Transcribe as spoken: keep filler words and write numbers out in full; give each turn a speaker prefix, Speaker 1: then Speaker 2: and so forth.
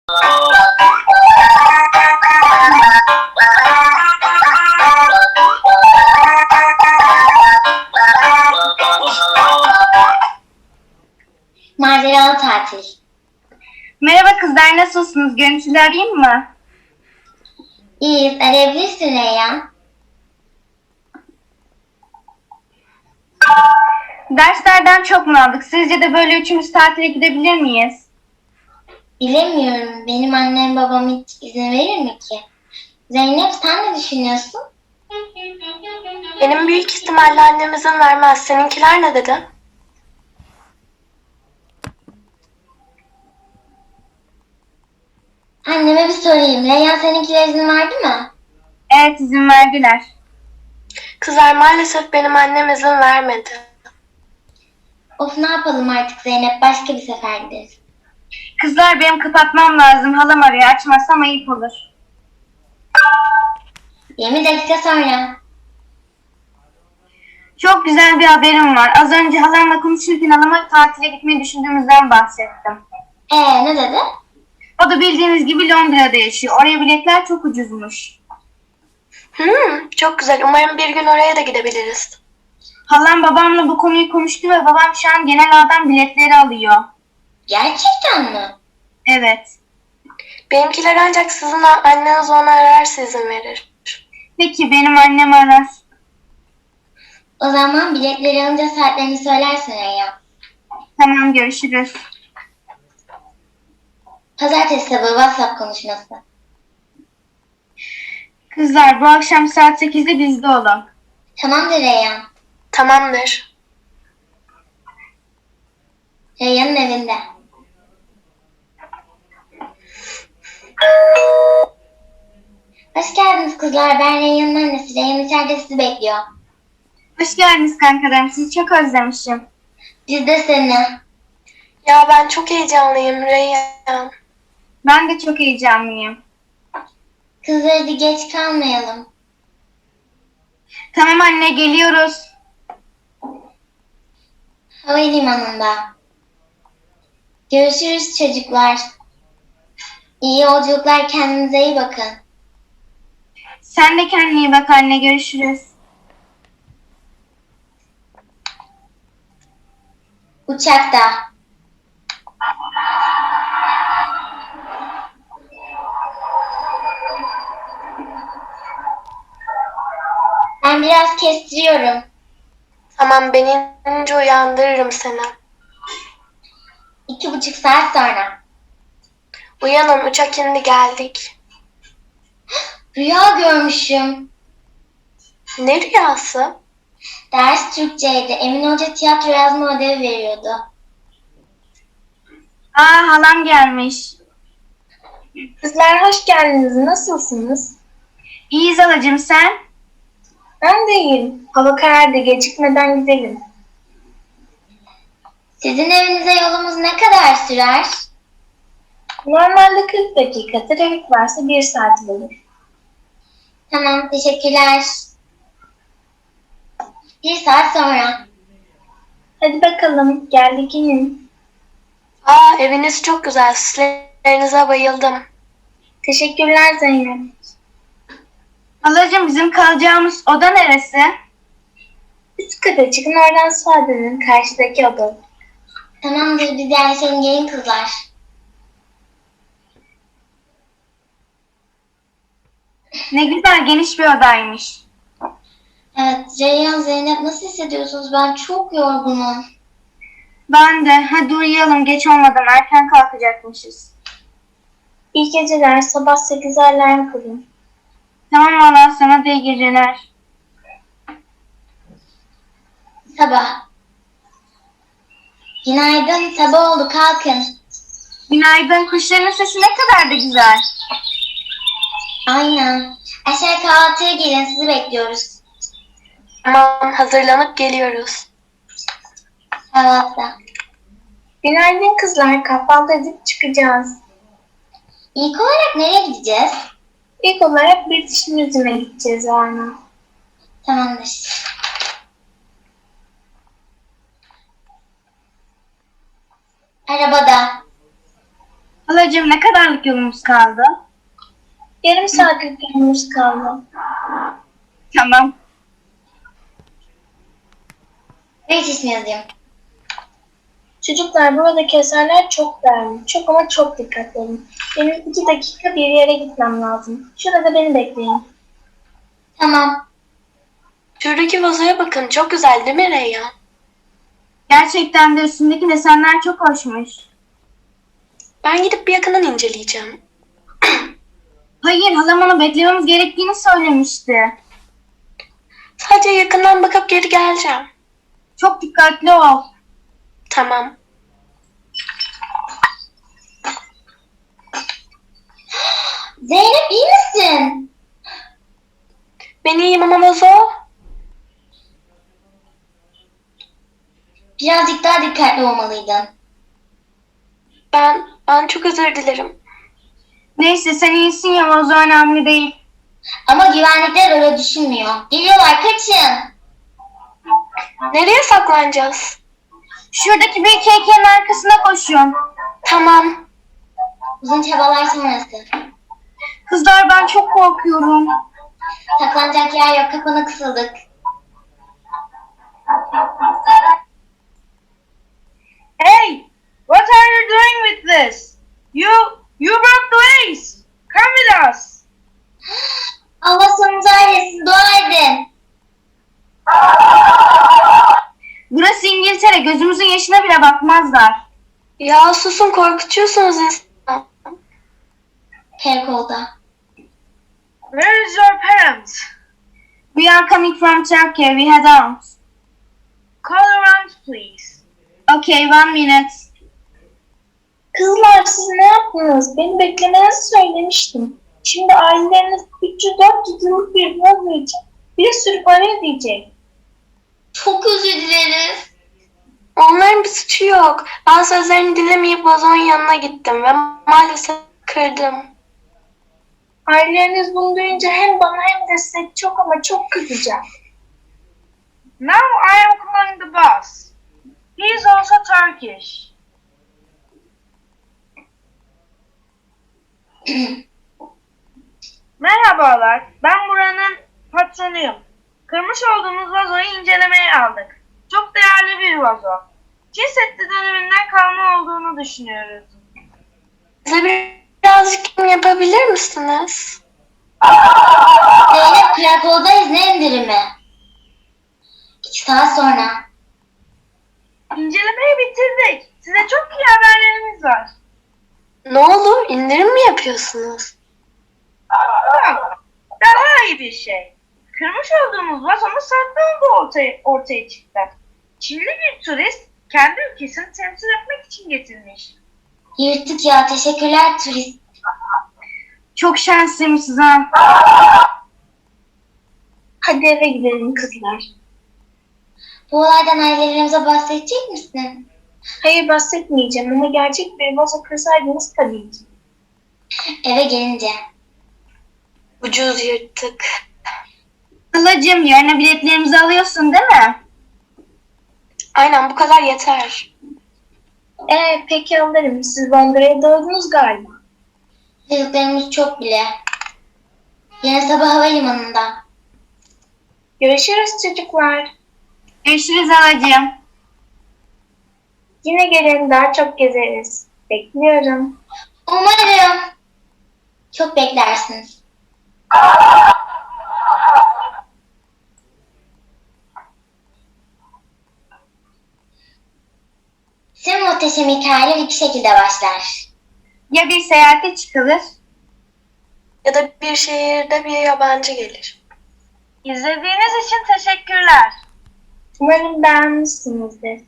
Speaker 1: Maceralı tatil.
Speaker 2: Merhaba kızlar, nasılsınız? Görüntülü arayayım mı?
Speaker 1: İyiyiz, arayabilirsin Reyhan.
Speaker 2: Derslerden çok mu aldık? Sizce de böyle üçümüz tatile gidebilir miyiz?
Speaker 1: Bilemiyorum, benim annem babam hiç izin verir mi ki? Zeynep, sen ne düşünüyorsun?
Speaker 3: Benim büyük ihtimalle annem izin vermez. Seninkiler ne dedi?
Speaker 1: Anneme bir sorayım. Reyhan, seninkiler izin verdi mi?
Speaker 2: Evet, izin verdiler.
Speaker 3: Kızlar, maalesef benim annem izin vermedi.
Speaker 1: Of, ne yapalım artık Zeynep, başka bir sefer gideriz.
Speaker 2: Kızlar, benim kapatmam lazım. Halam arıyor. Açmazsam ayıp olur.
Speaker 1: yirmi dakika sonra.
Speaker 2: Çok güzel bir haberim var. Az önce halamla konuşurken halama tatile gitmeyi düşündüğümüzden bahsettim.
Speaker 1: Ee, ne dedi?
Speaker 2: O da bildiğiniz gibi Londra'da yaşıyor. Oraya biletler çok ucuzmuş.
Speaker 3: Hmm, çok güzel. Umarım bir gün oraya da gidebiliriz.
Speaker 2: Halam babamla bu konuyu konuştu ve babam şu an genel ağdan biletleri alıyor.
Speaker 1: Gerçekten mi?
Speaker 2: Evet.
Speaker 3: Benimkiler ancak sizin anneniz onu ararsa izin verir.
Speaker 2: Peki, benim annem arar.
Speaker 1: O zaman biletleri alınca saatlerini söylersin Reyhan.
Speaker 2: Tamam, görüşürüz.
Speaker 1: Pazartesi sabahı WhatsApp konuşması.
Speaker 2: Kızlar, bu akşam saat sekizde bizde olun.
Speaker 1: Tamamdır Reyhan.
Speaker 3: Tamamdır.
Speaker 1: Reyhan'ın evinde. Hoş geldiniz kızlar. Ben Reyhan'ın annesi. Reyhan içeride sizi bekliyor.
Speaker 2: Hoş geldiniz kankalarım. Sizi çok özlemişim.
Speaker 1: Biz de seni.
Speaker 3: Ya ben çok heyecanlıyım Reyhan.
Speaker 2: Ben de çok heyecanlıyım.
Speaker 1: Kızlar, hadi geç kalmayalım.
Speaker 2: Tamam anne, geliyoruz.
Speaker 1: Havalimanında. Görüşürüz çocuklar. İyi yolculuklar, kendinize iyi bakın.
Speaker 2: Sen de kendine iyi bak anne, görüşürüz.
Speaker 1: Uçakta. Ben biraz kestiriyorum.
Speaker 3: Tamam, ben inince uyandırırım seni.
Speaker 1: İki buçuk saat sonra.
Speaker 3: Uyanın, uçak indi, geldik.
Speaker 1: Rüya görmüşüm.
Speaker 3: Ne rüyası?
Speaker 1: Ders Türkçeydi. Emin Hoca tiyatro yazma ödevi veriyordu.
Speaker 2: Aa, halam gelmiş.
Speaker 4: Kızlar, hoş geldiniz. Nasılsınız?
Speaker 2: İyiyiz halacığım, sen?
Speaker 4: Ben de iyiyim. Hava karardı. Gecikmeden gidelim.
Speaker 1: Sizin evinize yolumuz ne kadar sürer?
Speaker 4: Normalde kırk dakika. Trafik varsa bir saat olur.
Speaker 1: Tamam, teşekkürler. Bir saat sonra.
Speaker 4: Hadi bakalım. Geldik, inin.
Speaker 3: Aa, eviniz çok güzel. Süslerinize bayıldım.
Speaker 4: Teşekkürler Zeynep.
Speaker 2: Halacığım, bizim kalacağımız oda neresi?
Speaker 4: Üst kata çıkın, oradan sağa dönün. Karşıdaki oda.
Speaker 1: Tamamdır, biz yerleşelim, gelin kızlar.
Speaker 2: Ne güzel, geniş bir odaymış.
Speaker 1: Evet, Reyhan, Zeynep, nasıl hissediyorsunuz? Ben çok yorgunum.
Speaker 2: Ben de. Hadi uyuyalım, geç olmadan erken kalkacakmışız.
Speaker 4: İyi geceler. Sabah sekize alarm kurun.
Speaker 2: Tamam valla, sana da iyi geceler.
Speaker 1: Sabah. Günaydın, sabah oldu, kalkın.
Speaker 2: Günaydın, kuşların sesi ne kadar da güzel.
Speaker 1: Aynen. Aşağı kahvaltıya gelin, sizi bekliyoruz.
Speaker 3: Tamam, hazırlanıp geliyoruz.
Speaker 1: Kahvaltıda.
Speaker 4: Günaydın kızlar. Kahvaltı edip çıkacağız.
Speaker 1: İlk olarak nereye gideceğiz?
Speaker 4: İlk olarak bir diş yüzüne gideceğiz Arna.
Speaker 1: Tamamdır. Arabada.
Speaker 2: Halacığım ne kadarlık yolumuz kaldı?
Speaker 4: Yarım saatlik yolumuz kaldı.
Speaker 2: Tamam.
Speaker 1: Evet ismi yazayım.
Speaker 4: Çocuklar buradaki eserler çok değerli. Çok ama çok dikkatli olun. Benim iki dakika bir yere gitmem lazım. Şurada beni bekleyin.
Speaker 1: Tamam.
Speaker 3: Şuradaki vazoya bakın. Çok güzel değil mi Reyyan?
Speaker 2: Gerçekten de üstündeki desenler çok hoşmuş.
Speaker 3: Ben gidip bir yakından inceleyeceğim.
Speaker 2: Hayır, halam onu beklememiz gerektiğini söylemişti.
Speaker 3: Sadece yakından bakıp geri geleceğim.
Speaker 2: Çok dikkatli ol.
Speaker 3: Tamam.
Speaker 1: Zeynep iyi misin?
Speaker 3: Ben iyiyim ama vazo.
Speaker 1: Birazcık daha dikkatli olmalıydın.
Speaker 3: Ben, ben çok özür dilerim.
Speaker 2: Neyse sen iyisin ya, vazo önemli değil.
Speaker 1: Ama güvenlikler öyle düşünmüyor. Geliyorlar, kaçın.
Speaker 3: Nereye saklanacağız?
Speaker 2: Şuradaki büyük heykelin arkasına koşuyorum.
Speaker 3: Tamam.
Speaker 1: Uzun çabalar sonrası.
Speaker 2: Kızlar ben çok korkuyorum.
Speaker 1: Saklanacak yer yok, kapana kısıldık.
Speaker 2: Hey! What are you doing with this? You, you broke the vase! Come with us!
Speaker 1: Allah sonumuzu ailesin, dua edin.
Speaker 2: Burası İngiltere, gözümüzün yaşına bile bakmazlar.
Speaker 3: Ya susun, korkutuyorsunuz insanı.
Speaker 1: Karakolda.
Speaker 2: Where is your parents? We are coming from Turkey, we had arms. Call around please. Okay, one minute.
Speaker 4: Kızlar siz ne yaptınız? Beni beklemenizi söylemiştim. Şimdi aileleriniz üç yüz dört yüz yıllık bir vazo için bir sürü para ödeyecek.
Speaker 1: Çok özür dileriz.
Speaker 3: Onların bir suçu yok. Ben sözlerini dinlemeyip vazonun yanına gittim ve maalesef kırdım.
Speaker 4: Aileleriniz bunu duyunca hem bana hem de size çok ama çok kızacak.
Speaker 2: Now I am calling the boss. He is also Turkish. Merhabalar, ben buranın patronuyum. Kırmış olduğumuz vazoyu incelemeye aldık. Çok değerli bir vazo. Çin Seddi döneminden kalma olduğunu düşünüyoruz.
Speaker 3: Bize birazcık kim yapabilir misiniz?
Speaker 1: Zeynep, karakoldayız, ne indirimi? İki saat sonra.
Speaker 2: İncelemeyi bitirdik. Size çok iyi haberlerimiz var.
Speaker 3: Ne oldu? İndirim mi yapıyorsunuz?
Speaker 2: Yok, daha iyi bir şey. Kırmış olduğumuz vazonun sahte olduğu ortaya, ortaya çıktı. Çinli bir turist kendi ülkesini temsil etmek için getirmiş.
Speaker 1: Yırttık ya, teşekkürler turist.
Speaker 2: Çok şanslıymışsınız ha.
Speaker 4: Hadi eve gidelim kızlar.
Speaker 1: Bu olaydan ailelerimize bahsedecek misin?
Speaker 4: Hayır bahsetmeyeceğim ama gerçek bir vazo kırsaydınız tabii ki.
Speaker 1: Eve gelince.
Speaker 3: Ucuz yırttık.
Speaker 2: Halacığım, yarına biletlerimizi alıyorsun değil mi?
Speaker 3: Aynen, bu kadar yeter.
Speaker 4: Ee peki alırım. Siz Londra'ya doğdunuz galiba.
Speaker 1: Çocuklarımız çok bile. Yarın sabah havalimanında.
Speaker 4: Görüşürüz çocuklar.
Speaker 2: Görüşürüz halacığım.
Speaker 4: Yine gelin, daha çok gezeriz. Bekliyorum.
Speaker 1: Umarım. Çok beklersiniz. Tüm muhteşem hikayeler iki şekilde başlar.
Speaker 2: Ya bir seyahate çıkılır?
Speaker 3: Ya da bir şehirde bir yabancı gelir.
Speaker 2: İzlediğiniz için teşekkürler.
Speaker 4: Umarım beğenmişsinizdir.